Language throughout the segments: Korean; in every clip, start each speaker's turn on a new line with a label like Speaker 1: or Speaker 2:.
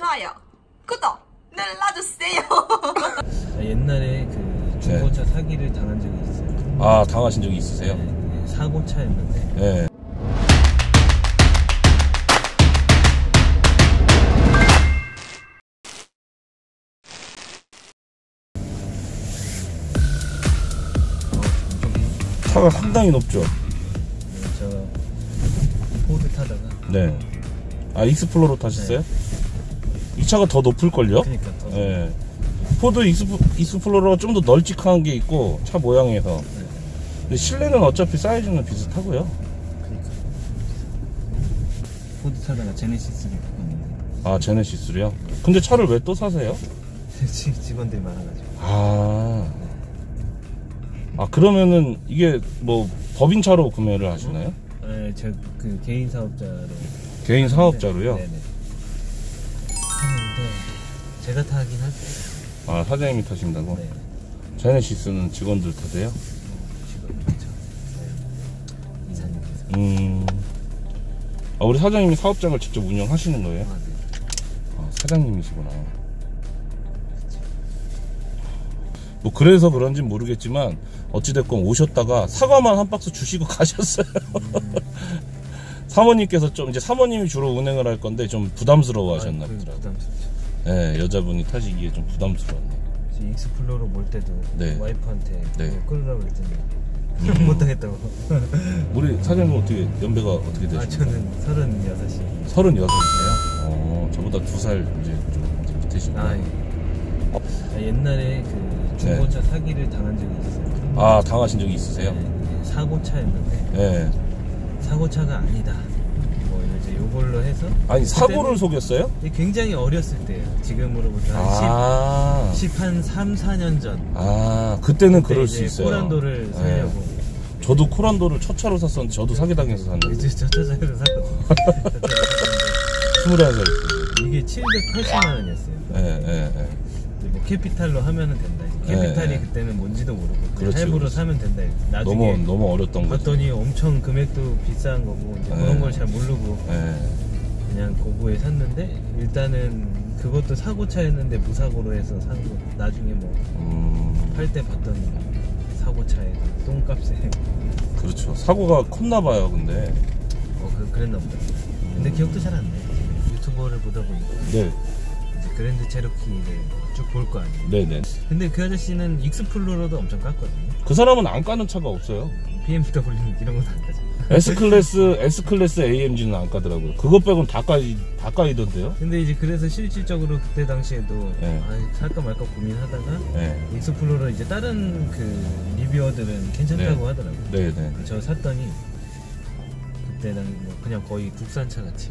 Speaker 1: 좋아요, 구독 눌러주세요.
Speaker 2: 옛날에 그 중고차 사기를 당한 적이 있어요.
Speaker 3: 아, 당하신 적이 있으세요?
Speaker 2: 네, 사고차였는데.
Speaker 3: 네. 차가 상당히 높죠?
Speaker 2: 저 포드 타다가.
Speaker 3: 네. 아, 익스플로러 타셨어요? 네. 이 차가 더 높을걸요?
Speaker 2: 그러니까 더.
Speaker 3: 네. 포드 익스플로러가 좀 더 널찍한 게 있고, 차 모양에서.
Speaker 2: 네.
Speaker 3: 근데 실내는 어차피 사이즈는 비슷하고요.
Speaker 2: 그러니까. 포드 타다가 제네시스를 바꿨는데.
Speaker 3: 아, 제네시스요? 근데 차를 왜 또 사세요?
Speaker 2: 직원들이 많아가지고.
Speaker 3: 아, 그러면은 이게 뭐 법인차로 구매를 하시나요?
Speaker 2: 네, 저 그 개인 사업자로.
Speaker 3: 개인 사업자로요?
Speaker 2: 네네. 하는데 제가 타긴 할게요.
Speaker 3: 아, 사장님이 타신다고?
Speaker 2: 네.
Speaker 3: 제네시스는 직원들 타세요?
Speaker 2: 직원이죠. 이사님께서.
Speaker 3: 아, 우리 사장님이 사업장을 직접 운영하시는 거예요?
Speaker 2: 아, 네.
Speaker 3: 아, 사장님이시구나. 뭐 그래서 그런진 모르겠지만 어찌됐건 오셨다가 사과만 한 박스 주시고 가셨어요. 사모님께서 좀, 이제 사모님이 주로 운행을 할 건데 좀 부담스러워 하셨나 보더라고요.
Speaker 2: 부담스럽죠.
Speaker 3: 네, 여자분이 타시기에 좀 부담스러웠네.
Speaker 2: 익스플로러 몰 때도
Speaker 3: 네.
Speaker 2: 와이프한테
Speaker 3: 네.
Speaker 2: 끌으라고 했더니 못하겠다고.
Speaker 3: 우리 사장님 어떻게, 연배가 어떻게 되시나요?
Speaker 2: 아, 저는 36이.
Speaker 3: 36이세요? 저보다 2살 이제 좀 밑이시네요.
Speaker 2: 아, 예. 옛날에 그 중고차 사기를 당한 적이 있어요.
Speaker 3: 아, 당하신 적이 있으세요?
Speaker 2: 네, 사고차였는데.
Speaker 3: 네.
Speaker 2: 사고차가 아니다. 뭐 이제 요걸로 해서.
Speaker 3: 아니, 사고를 속였어요?
Speaker 2: 굉장히 어렸을 때예요. 지금으로부터 한 3, 4년 전.
Speaker 3: 아, 그때는 그럴 수 있어요.
Speaker 2: 코란도를 사려고.
Speaker 3: 네. 저도 코란도를 첫 차로 샀었는데 저도 사기당해서 샀는데.
Speaker 2: 이제 저 차로 샀거든요.
Speaker 3: 21살.
Speaker 2: 이게 780만 원이었어요.
Speaker 3: 네.
Speaker 2: 뭐 캐피탈로 하면은 된다. 캐피탈이
Speaker 3: 네.
Speaker 2: 그때는 뭔지도 모르고
Speaker 3: 그렇죠,
Speaker 2: 할부로
Speaker 3: 그렇죠.
Speaker 2: 사면 된다. 나중에
Speaker 3: 너무 어렸던 거죠.
Speaker 2: 봤더니 엄청 금액도 비싼 거고 이제 그런 걸 잘 모르고 그냥 고구에 샀는데, 일단은 그것도 사고차였는데 무사고로 해서 산 거. 나중에 뭐 팔 때 봤더니 사고차에 똥값에.
Speaker 3: 그렇죠. 사고가 컸나 봐요. 근데
Speaker 2: 그랬나 보다. 근데 기억도 잘 안 나요. 유튜버를 보다 보니까
Speaker 3: 네.
Speaker 2: 그랜드 체로키를 쭉 볼 거 아니에요.
Speaker 3: 네네.
Speaker 2: 근데 그 아저씨는 익스플로러도 엄청 깠거든요.
Speaker 3: 그 사람은 안 까는 차가 없어요.
Speaker 2: BMW는 이런 건 안 까죠.
Speaker 3: S클래스 AMG는 안 까더라고요. 그것 빼고는 다 까이던데요.
Speaker 2: 근데 이제 그래서 실질적으로 그때 당시에도
Speaker 3: 네.
Speaker 2: 살까 말까 고민하다가
Speaker 3: 네.
Speaker 2: 익스플로러 이제 다른 그 리뷰어들은 괜찮다고 하더라고요.
Speaker 3: 네네.
Speaker 2: 저 샀더니 그때는 뭐 그냥 거의 국산차 같이.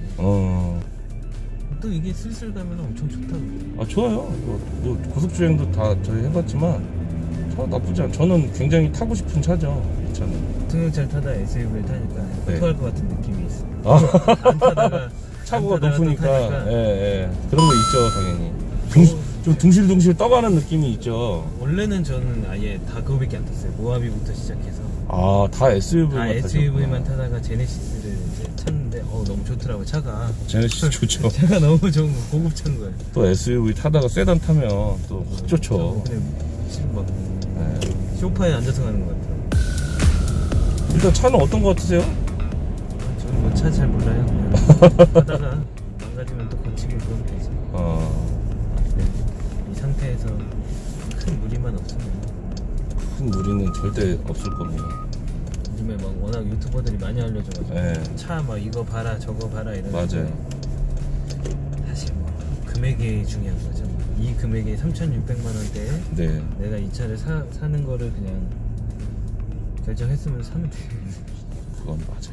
Speaker 2: 또 이게 슬슬 가면 엄청 좋다고.
Speaker 3: 아, 좋아요. 뭐 고속주행도 다 저희 해봤지만 차 나쁘지 않아요. 저는 굉장히 타고 싶은 차죠, 이 차는.
Speaker 2: 승용차를 타다 SUV를 타니까
Speaker 3: 네.
Speaker 2: 토할 것 같은 느낌이 있어요.
Speaker 3: 아.
Speaker 2: 안 타다가
Speaker 3: 차고가
Speaker 2: 안 타다가
Speaker 3: 높으니까. 예. 그런 거 있죠, 당연히. 좀 둥실둥실 떠가는 느낌이 있죠.
Speaker 2: 원래는 저는 아예 다 그거밖에 안 탔어요. 모하비부터 시작해서.
Speaker 3: 아, 다 SUV만
Speaker 2: 다 SUV만 타다가 제네시스를 이제 탔는데 너무 좋더라고요, 차가.
Speaker 3: 제네시스 좋죠.
Speaker 2: 차가 너무 좋은 거, 고급차인 거예요.
Speaker 3: 또 SUV 타다가 세단 타면 또 확 좋죠.
Speaker 2: 근데 지금 막 소파에 앉아서 가는 것 같아요.
Speaker 3: 일단 차는 어떤 거 같으세요?
Speaker 2: 저는 뭐 차 잘 몰라요. 그냥 하다가 망가지면 또 고치고 그러면 되죠. 네. 이 상태에서 큰 무리만 없으면.
Speaker 3: 큰 무리는 절대 없을 겁니다.
Speaker 2: 요즘에 막 워낙 유튜버들이 많이 알려줘가지고 차 막 이거 봐라 저거 봐라 이런.
Speaker 3: 맞아요.
Speaker 2: 사실 뭐 금액이 중요한 거죠. 이 금액에 3,600만 원대에
Speaker 3: 네.
Speaker 2: 내가 이 차를 사는 거를 그냥 결정했으면 사면 돼요.
Speaker 3: 그건 맞아요.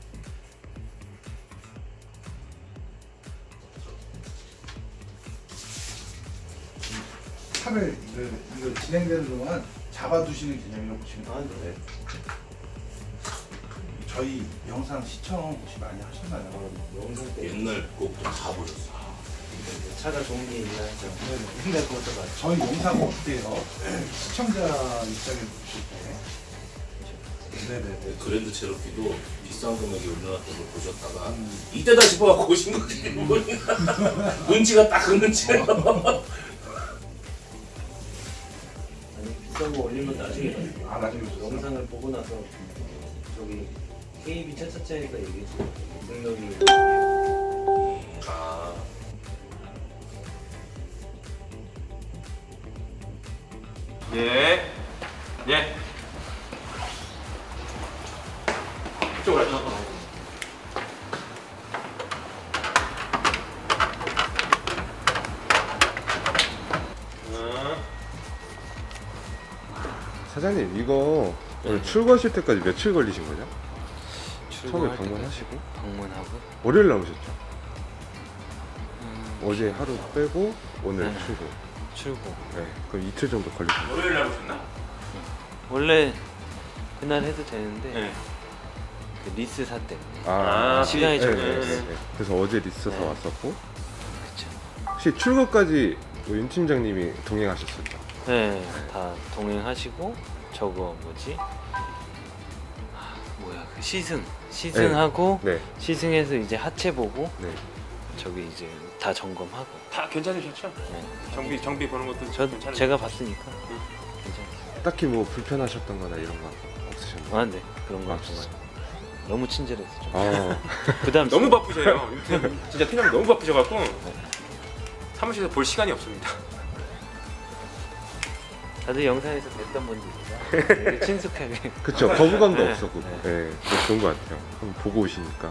Speaker 4: 차를 이거 진행되는 동안 잡아두시는 개념이라고 보시면 돼요. 저희 영상 시청 혹시 많이 하셨나요?
Speaker 2: 영상 때
Speaker 3: 옛날 곡도 다 보셨어요.
Speaker 2: 차가 좋은 게 있나 해서.
Speaker 4: 근데 그것도 저희 영상 어때요? 시청자 입장에서 보실 때
Speaker 3: 네네.
Speaker 5: 그랜드 체로키도 비싼 금액이 올려놨던 걸 보셨다가 이때다 싶어갖고 오신 거지. 눈치가 딱 그 눈치예요.
Speaker 2: 아니 비싼 거 올리면 나중에
Speaker 4: 나중에
Speaker 2: 영상을 보고 나서 저기 KB 차차차에서 얘기했어. 능력이
Speaker 5: 아.
Speaker 6: 예. 예. 이쪽으로 가자.
Speaker 7: 사장님 이거 오늘 출고하실 때까지 며칠 걸리신 거죠? 처음에
Speaker 8: 출고할
Speaker 7: 방문하시고
Speaker 8: 때까지 방문하고
Speaker 7: 월요일 나오셨죠? 어제 하루 빼고 오늘
Speaker 8: 네.
Speaker 7: 출고.
Speaker 8: 출고.
Speaker 7: 네, 그럼 이틀 정도 걸리셨어요.
Speaker 6: 월요일 날 오셨나?
Speaker 8: 원래 그날 해도 되는데
Speaker 6: 네.
Speaker 8: 그 리스사 때문에
Speaker 7: 아,
Speaker 8: 시간이
Speaker 7: 네,
Speaker 8: 정해졌어요.
Speaker 7: 네. 그래서 어제 리스서
Speaker 8: 네.
Speaker 7: 왔었고
Speaker 8: 그쵸.
Speaker 7: 혹시 출고까지 뭐 윤 팀장님이 동행하셨었죠?
Speaker 8: 네, 다 동행하시고 저거 뭐지? 뭐야 그 시승하고
Speaker 7: 네,
Speaker 8: 시승해서 이제 하체 보고
Speaker 7: 네.
Speaker 8: 저기 이제 다 점검하고.
Speaker 6: 다 괜찮으셨죠?
Speaker 8: 네.
Speaker 6: 정비 보는 것도 괜찮으셨죠?
Speaker 8: 제가 봤으니까 괜찮아요.
Speaker 7: 딱히 뭐 불편하셨던 거나 이런 건 없으셨나요?
Speaker 8: 아, 네 그런 거
Speaker 7: 아,
Speaker 8: 없었어요.
Speaker 7: 정말?
Speaker 8: 너무 친절해서 좀
Speaker 7: 아,
Speaker 8: 부담.
Speaker 6: 너무 바쁘셔요. 진짜 팀장님 너무 바쁘셔갖고 사무실에서 볼 시간이 없습니다.
Speaker 8: 다들 영상에서 뵀던 분들이라 되게 친숙하게.
Speaker 7: 그쵸. 거부감도
Speaker 8: 네,
Speaker 7: 없었고
Speaker 8: 네.
Speaker 7: 네, 그거 좋은 것 같아요. 한번 보고 오시니까.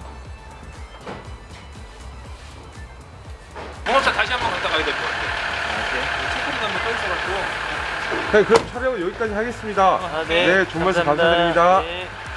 Speaker 6: 공업사 다시 한번 갔다 가야 될 것 같아요. 체크리가 한번 떠있어갖고.
Speaker 7: 네, 그럼 촬영은 여기까지 하겠습니다.
Speaker 8: 아,
Speaker 7: 네, 좋은 말씀
Speaker 8: 감사합니다.
Speaker 7: 감사드립니다.
Speaker 8: 네.